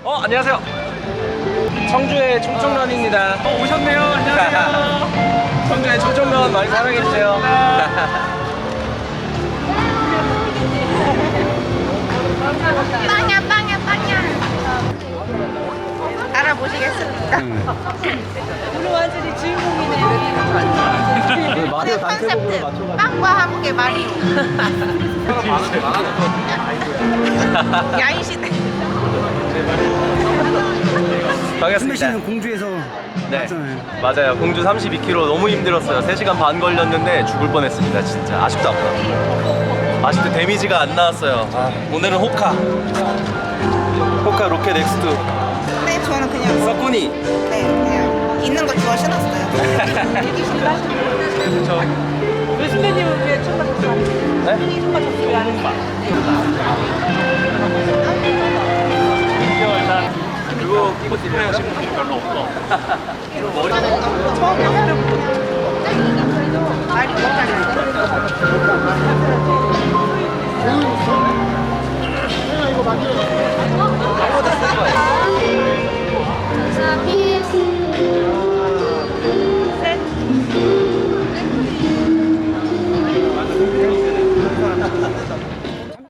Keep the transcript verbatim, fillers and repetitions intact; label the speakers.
Speaker 1: 어, 안녕하세요. 청주의 총총런입니다.
Speaker 2: 어, 오셨네요. 안녕하세요.
Speaker 1: 청주의 총총런 많이 사랑해주세요.
Speaker 3: 빵야 빵야 빵야 알아보시겠습니다.
Speaker 4: 오늘 완전히 주인공이네요.
Speaker 3: 오늘 컨셉트 빵과 함께 마리오. 야인시대.
Speaker 1: 반갑습니다.
Speaker 2: 씨는 공주에서
Speaker 1: 네,
Speaker 2: 왔잖아요.
Speaker 1: 맞아요. 공주 삼십이 킬로미터 너무 힘들었어요. 세 시간 반 걸렸는데 죽을 뻔했습니다. 진짜 아쉽다. 아쉽게 데미지가 안 나왔어요. 아, 오늘은 호카. 호카 로켓 엑스투.
Speaker 3: 네, 저는 그냥
Speaker 1: 서쿠니.
Speaker 3: 네 그냥 있는 거 주워 신었어요.
Speaker 4: 왜 선배님은 왜 첫 맞췄어요?
Speaker 1: 네?
Speaker 4: 첫 맞췄어요? 왜 안 했어요?
Speaker 1: 그거 끼고 뛰는 하시는 분이 별로 없어.